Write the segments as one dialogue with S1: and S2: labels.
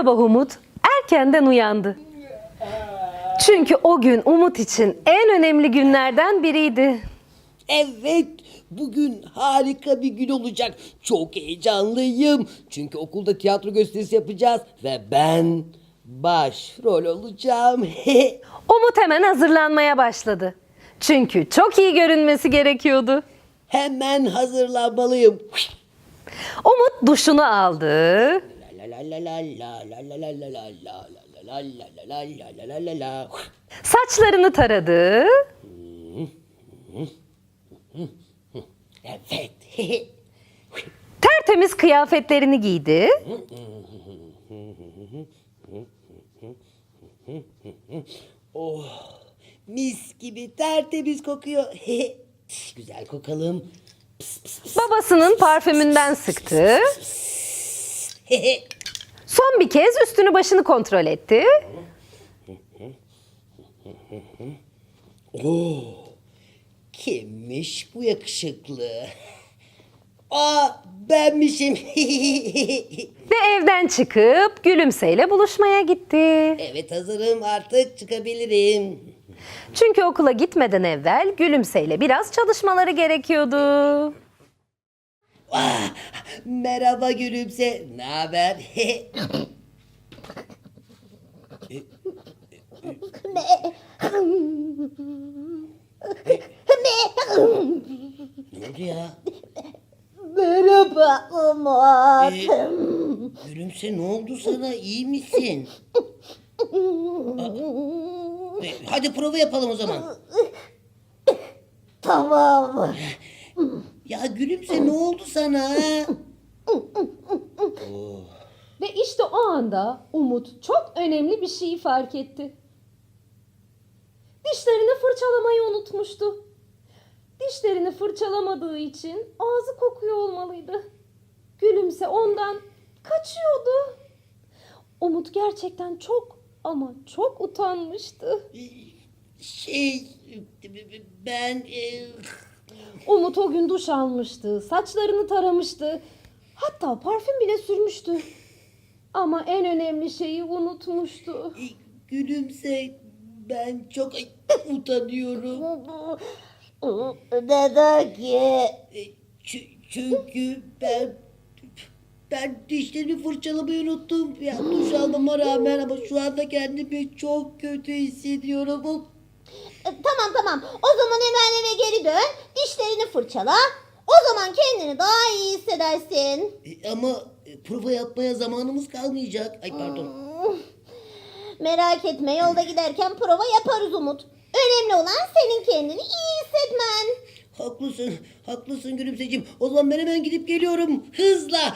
S1: sabah Umut erkenden uyandı. Çünkü o gün Umut için en önemli günlerden biriydi.
S2: Evet, bugün harika bir gün olacak. Çok heyecanlıyım. Çünkü okulda tiyatro gösterisi yapacağız ve ben başrol olacağım.
S1: Umut hemen hazırlanmaya başladı. Çünkü çok iyi görünmesi gerekiyordu.
S2: Hemen hazırlanmalıyım.
S1: Umut duşunu aldı.
S2: La la la la la la la la la la la la la la la la la la.
S1: Saçlarını taradı.
S2: Evet.
S1: Tertemiz kıyafetlerini giydi.
S2: Mis gibi tertemiz kokuyor. Güzel kokalım.
S1: Babasının parfümünden sıktı. Son bir kez üstünü başını kontrol etti.
S2: Kimmiş bu yakışıklı? Aa, benmişim.
S1: Ve evden çıkıp Gülümse'yle buluşmaya gitti.
S2: Evet, hazırım, artık çıkabilirim.
S1: Çünkü okula gitmeden evvel Gülümse'yle biraz çalışmaları gerekiyordu.
S2: Merhaba Gülümse, ne haber? Ne oldu ya?
S3: Merhaba Umut.
S2: Gülümse, ne oldu sana? İyi misin? Hadi prova yapalım o zaman.
S3: Tamam.
S2: Ya Gülümse, ne oldu sana?
S1: Ve işte o anda Umut çok önemli bir şeyi fark etti. Dişlerini fırçalamayı unutmuştu. Dişlerini fırçalamadığı için ağzı kokuyor olmalıydı. Gülümse ondan kaçıyordu. Umut gerçekten çok ama çok utanmıştı.
S2: Ben...
S1: Umut o gün duş almıştı, saçlarını taramıştı. Hatta parfüm bile sürmüştü. Ama en önemli şeyi unutmuştu.
S2: Gülümse, ben çok utanıyorum.
S3: Neden ki?
S2: Çünkü ben dişlerimi fırçalamayı unuttum. Ya duş almama rağmen, ama şu anda kendimi çok kötü hissediyorum.
S3: Tamam. O zaman hemen eve geri dön. Dişlerini fırçala. O zaman kendini daha iyi hissedersin.
S2: Ama prova yapmaya zamanımız kalmayacak. Ay, pardon.
S3: Merak etme, yolda giderken prova yaparız Umut. Önemli olan senin kendini iyi hissetmen.
S2: Haklısın Gülümseciğim. O zaman ben hemen gidip geliyorum. Hızla.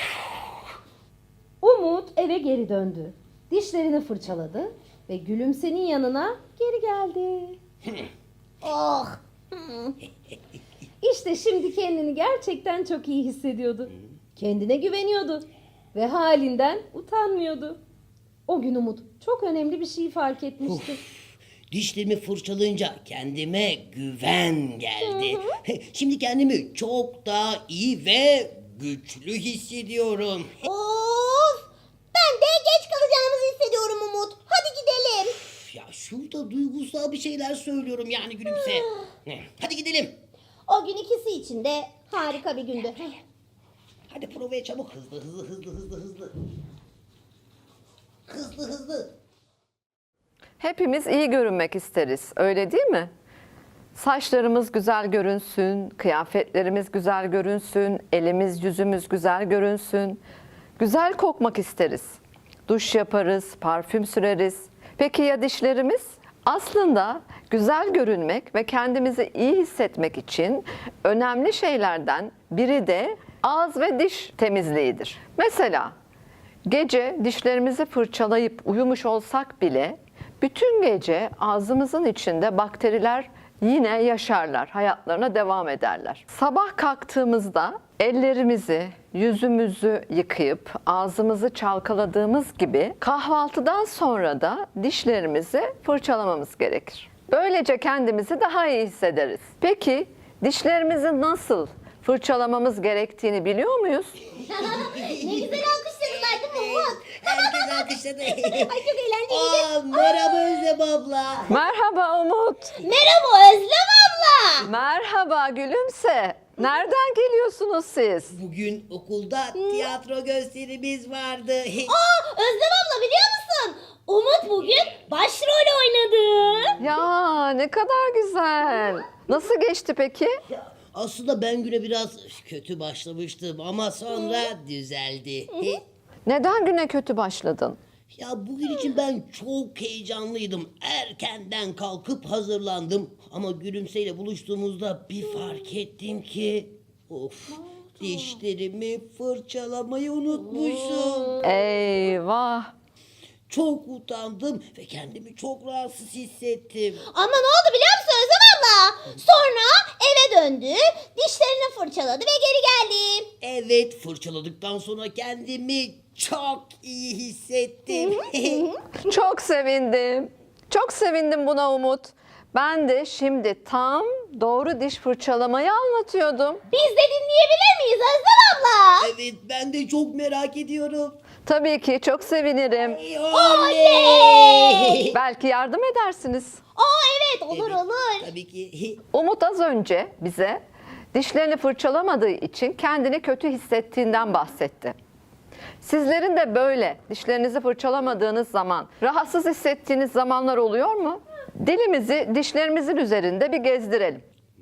S1: Umut eve geri döndü. Dişlerini fırçaladı ve Gülümse'nin yanına geri geldi.
S3: Oh.
S1: İşte şimdi kendini gerçekten çok iyi hissediyordu. Kendine güveniyordu ve halinden utanmıyordu. O gün Umut çok önemli bir şey fark etmişti.
S2: Dişlerimi fırçalayınca kendime güven geldi. Şimdi kendimi çok daha iyi ve güçlü hissediyorum.
S3: Of. Ben de geç kalacağımızı hissediyorum Umut. Hadi gidelim.
S2: Ya şurada duygusal bir şeyler söylüyorum yani Gülümse. Hadi gidelim.
S3: O gün ikisi için de harika bir gündü.
S2: Hadi provaya çabuk. Hızlı.
S4: Hepimiz iyi görünmek isteriz, öyle değil mi? Saçlarımız güzel görünsün, kıyafetlerimiz güzel görünsün, elimiz yüzümüz güzel görünsün. Güzel kokmak isteriz. Duş yaparız, parfüm süreriz. Peki ya dişlerimiz? Aslında güzel görünmek ve kendimizi iyi hissetmek için önemli şeylerden biri de ağız ve diş temizliğidir. Mesela gece dişlerimizi fırçalayıp uyumuş olsak bile bütün gece ağzımızın içinde bakteriler yine yaşarlar, hayatlarına devam ederler. Sabah kalktığımızda ellerimizi, yüzümüzü yıkayıp ağzımızı çalkaladığımız gibi kahvaltıdan sonra da dişlerimizi fırçalamamız gerekir. Böylece kendimizi daha iyi hissederiz. Peki dişlerimizi nasıl fırçalamamız gerektiğini biliyor muyuz?
S3: Ne güzel alkışladılar değil mi Umut? Umut.
S2: Herkes alkışladı.
S3: Ay çok eğlenceliydi.
S2: Aa, merhaba Özlem abla.
S4: Merhaba Umut.
S3: Merhaba Özlem abla.
S4: Merhaba Gülümse. Nereden geliyorsunuz siz?
S2: Bugün okulda tiyatro gösterimiz vardı.
S3: Özlem abla biliyor musun? Umut bugün başrol oynadı.
S4: Ya ne kadar güzel. Nasıl geçti peki?
S2: Aslında ben güne biraz kötü başlamıştım ama sonra düzeldi.
S4: Neden güne kötü başladın?
S2: Ya bugün için ben çok heyecanlıydım. Erkenden kalkıp hazırlandım. Ama Gülümse'yle buluştuğumuzda bir fark ettim ki... Of, dişlerimi fırçalamayı unutmuşum.
S4: Eyvah.
S2: Çok utandım ve kendimi çok rahatsız hissettim.
S3: Ama ne oldu biliyor musun Özlem abla? Sonra eve döndü, dişlerini fırçaladı ve geri geldi.
S2: Evet, fırçaladıktan sonra kendimi çok iyi hissettim.
S4: Çok sevindim. Çok sevindim buna Umut. Ben de şimdi tam doğru diş fırçalamayı anlatıyordum.
S3: Biz de dinleyebilir miyiz Özlem abla?
S2: Evet, ben de çok merak ediyorum.
S4: Tabii ki çok sevinirim.
S2: Oley!
S4: Belki yardım edersiniz.
S3: Evet olur olur.
S2: Tabii ki.
S4: Umut az önce bize dişlerini fırçalamadığı için kendini kötü hissettiğinden bahsetti. Sizlerin de böyle dişlerinizi fırçalamadığınız zaman rahatsız hissettiğiniz zamanlar oluyor mu? Dilimizi dişlerimizin üzerinde bir gezdirelim.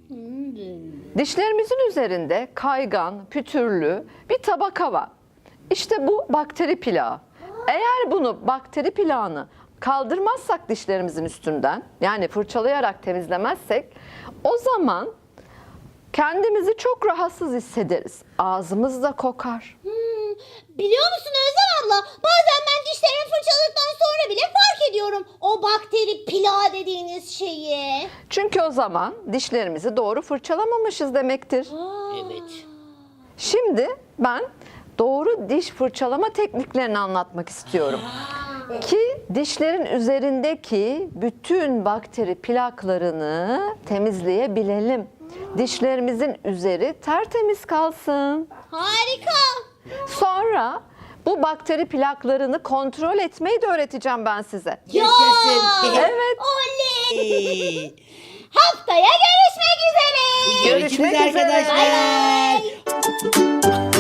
S4: Dişlerimizin üzerinde kaygan, pütürlü bir tabaka var. İşte bu bakteri plağı. Eğer bunu bakteri plağını kaldırmazsak dişlerimizin üstünden, yani fırçalayarak temizlemezsek, o zaman kendimizi çok rahatsız hissederiz. Ağzımız da kokar.
S3: Biliyor musun Özlem abla? Bazen ben dişlerimi fırçaladıktan sonra bile fark ediyorum o bakteri plağı dediğiniz şeyi.
S4: Çünkü o zaman dişlerimizi doğru fırçalamamışız demektir.
S2: Evet.
S4: Şimdi ben doğru diş fırçalama tekniklerini anlatmak istiyorum. Ki dişlerin üzerindeki bütün bakteri plaklarını temizleyebilelim. Dişlerimizin üzeri tertemiz kalsın.
S3: Harika.
S4: Sonra bu bakteri plaklarını kontrol etmeyi de öğreteceğim ben size.
S2: Yaşasın.
S4: Evet.
S3: Oley. Haftaya görüşmek üzere.
S4: Görüşmek üzere.
S2: arkadaşlar.
S3: Bye bye.